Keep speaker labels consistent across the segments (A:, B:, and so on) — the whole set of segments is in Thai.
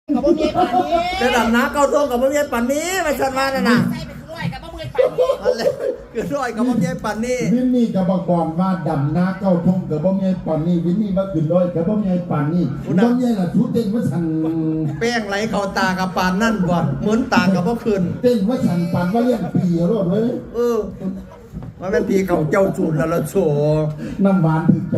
A: กับบ่มีปานนี้
B: จะดำน้ำเก้าท่วงกับบ่มีปันนี้มาชันมาน่ะนะ
A: ใส่ไปร้อยกับบ่มีปานนี้
B: อะไรคือร้อยกับบ่มีปันนี้
C: วินนี่กับบอกก่อนว่าดำนาเก้าทงกับบ่มีปันนี่วินนี่มาขึ้นร้อยกับบ่มีปันนี่บ่มีล่ะทุเต้นว่าฉัน
B: แป้งไหลเข้าตากับปานนั่นบ่เหมือนตากับบ่คืน
C: เต้นว่าฉันปันว่าเลี้ยงปีรอดเว้ย
B: มันเป็นพีเขาเจ้าจูนแล้วละโฉ
C: น้ำหวานถึกใจ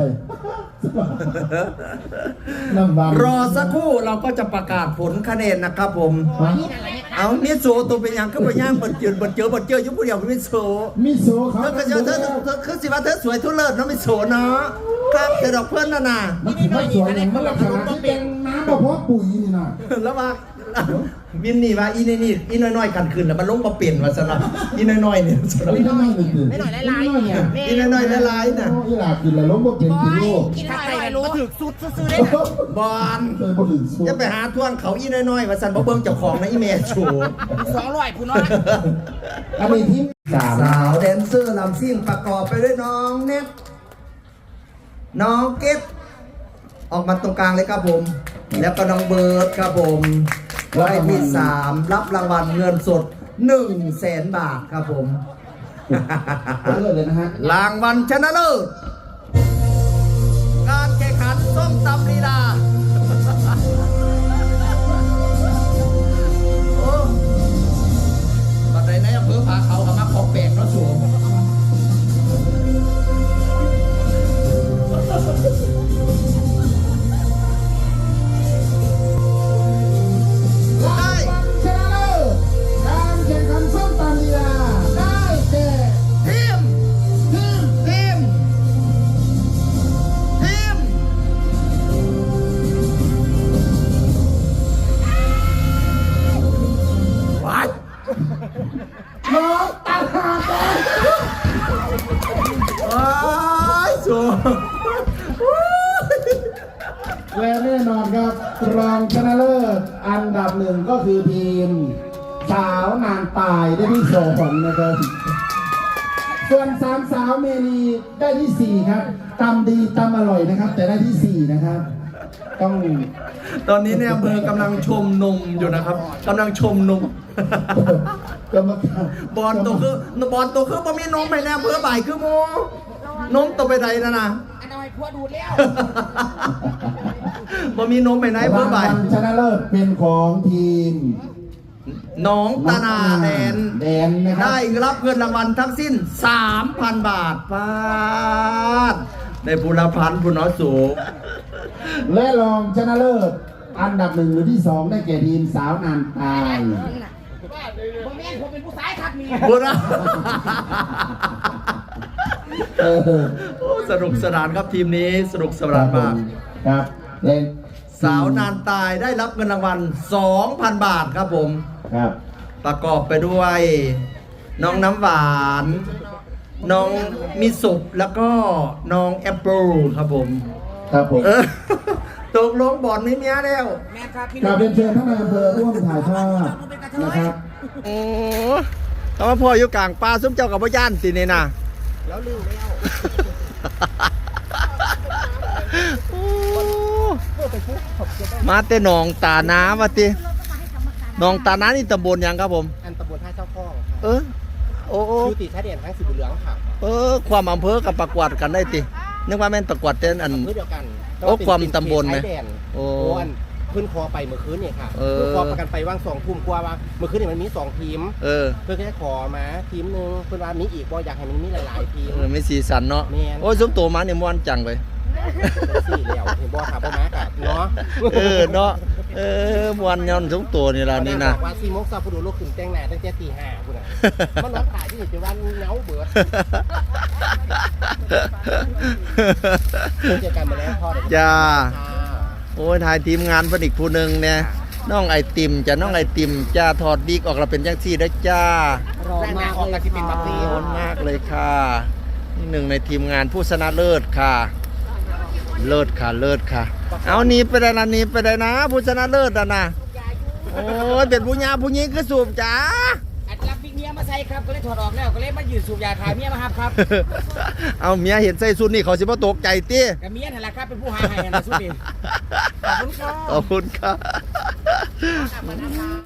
C: น้ำหวาน
B: รอสักครู่เราก็จะประกาศผลคะแนนนะครับผม
A: นี่นั่นแหละ
B: เอามิโซตัวเป็นยังก็ไปย่างบนเจออยู่ผู้เดียวมิโซ
C: มิโซเขา
B: เธอก็เจอเธอคือสิว่าเธอสวยทุเลิศน้องมิโซเนาะครับแต่ดอกเพื่อนน่ะนะ
C: มันถือว่าสวยอย่างมันลักษณะที่เป็นน้ำบ่พอปุ๋ยนี่นะ
B: แล้วว่าวินนี่ว่าอีนี่น้อยๆกันคืนแล้วมันลงมาเปลี่ยนมาซะนะอีน้อยๆเนี่ยซะนะ
C: ไม่น้อยเลย
A: ไม่หน่อยหลายๆเนี่ย
B: อีน้อยๆหลายๆน่ะ
C: อีหลากินแล้วล้มบ่เป็นกิโล
A: กินหน่อยรู้ถึกสุดซื้อได้น่ะ
B: บอล
C: เคยบ่ถึงสู
B: จะไปหาท่วงเขาอีน้อยๆว่าซั่นบ่เบิ่งเจ้าของนะอีแม่โฉ
A: 200พุ่นเนาะ
C: อันนี้ทีมสาม
B: สาวแดนเซอร์ลำซิ่งประกอบไปด้วยน้องเน็ตน้องเก็ตออกมาตรงกลางเลยครับผม แล้วก็น้องเบิร์ดครับผมไว้ที่3รับรางวัลเงินสด 100,000 บาทครับผม
C: เลิศเลยนะฮะ
B: รางวัลชนะเลิศการแข่งขันส้มตำลีลาโอ้บัดใดในอำเภอผาเขากับมาของแปลกเนาะสูงได้
C: ชนะเลิศการแข่งขันส้มตำลีลาได้แก่
B: ทีม
C: ทีม
B: ทีมทีมวัด
C: น้องตาหาแดง
B: ว้ายสูง
C: และแน่นอนครับรองชนะเลิศอันดับหนึ่งก็คือทีมสาวนางตายได้ที่สองนะครับส่วนสามสาวเมนีได้ที่สี่ครับตำดีตำอร่อยนะครับ แต่ได้ที่สี่นะครับ ต้อง
B: ตอนนี้เนี่ยอำเภอกำลังชมนมอยู่นะครับกำลังชมนม
C: กรรมการ
B: บอลตัวคือบอลตัวคือบ่มีนมไปแน่อำเภอบ่ายคือโมนมตัวไปใดนะนะ
A: อันน้อยพัวดูดแล้ว
B: บ่มีนมไปไหนอำเภอบ่าย
C: รางวัลชนะเลิศเป็นของทีม
B: น้องตานาแดน
C: แดนนะครับ
B: ได้รับเงินรางวัลทั้งสิ้น 3,000 บาทปาดได้บุรพันธ์ผู้น้อยสูง
C: และรองชนะเลิศอันดับหนึ่งหรือที่สองได้แก่ทีมสาวนางตาย
A: ผมแม่นผมเป็นผู้ชายครับนี่
B: บุร
C: เออ
B: โอ้สนุกสนานครับทีมนี้สนุกสนานมาก
C: ครับเล่น
B: สาวนานตายได้รับเงินรางวัล 2,000 บาทครับผม
C: ครับ
B: ประกอบไปด้วย น้องน้ำหวาน น้องมิสุแล้วก็น้องแอปเปิลครับผม
C: ครับผม
B: เออ ตกลงบอลไม่เนี้ยแล้ว
A: แม่ครับพี่
C: กราบเรียนเชิญท่านนายอำเภอร่วมถ่ายทอดนะครับ
B: โอ้เขามาพ่ออยู่กลางป่าซุ้มเจ้ากับพ่อย่านสินี่นะ
A: แล้วลืมแล้ว
B: โอ้มาแต่หนองตาน้ำวะติหนองตาน้ำนี่ตำบลหยังครับผม
A: อันตำบลท่าเจ้าข้อง
B: เออ โอ้โอ้
A: ยูติชาเด่นทั้งสิบเหลืองค่ะ
B: ความอำเภอกับประกวดกันได้ตินึกว่าแม่นประกวดเต้นอัน
A: เพื่อเดียวกัน
B: โอ้ความตำบลไหม
A: โอ้อันขึ้นคอไปเมื่อคืนเนี่ยค่ะ
B: เออ
A: ขึ้นคอประกันไปว่าง2 ทุ่มกว่าว่าเมื่อคืนเนี่ยมันมี2 ทีม
B: เออ
A: เพื่อนก็จะขอมาทีมหนึงเพื่อนว่ามีอีกบ่อยากให้มันมีหลายๆทีม
B: ไม่สีสันเนาะ
A: แม่น
B: โอ้ยซุ้มโตมาเนี่ยม่วนจังเลย
A: เป็นสี่แล้วเห็นบ่ค่ะบ่มากับเนาะ
B: เนาะม่วนย้อนซุ้มโตนี่ล่ะนี่นะ
A: บอกว่า4 โมงเช้าผู้ดูลูกขึ้นแต่งหน้าตั้งแต่ตี 5พุ่นน่ะมันนอนถ่ายที่นี่เป็นวันเหงาเบิดเจอกันมาแล้วพ่อเดี๋ยว
B: จ้า
A: ค่ะ
B: โอ้ยถ่ายทีมงานเพิ่นอีกผู้หนึงเนี่ยน้องไอติมจ้ะน้องไอติมจ้าถอดดีกออกเราเป็นจังซี่ได้อจ้าร
A: อมากเลยที่เป็นแบบนี้
B: ขอบคุณมากเลยค่ะนี่หนึ่งในทีมงานผู้ชนะเลิศค่ะ เลิศค่ะเลิศค่ะ เอาหนี้ไปได้ละหนี้ไปได้นะ ผู้ชนะเลิศอ่ะนะโอ้ยเป็นผู้หญิงคือสูบจ้า
A: อัดรับวิกเมียมาใส่ครับก็เลยถอดออกแล้วก็เลยมายืนสูบยาขายเมียมาครับ
B: เอาเมียเห็นใส่สุดนี่เขาสิบ่ตกใจติ
A: กับเมียนั่นแหละครับเป็นผู้หาให้นะสุดนี่ขอบคุณครับ
B: ขอบคุณครับ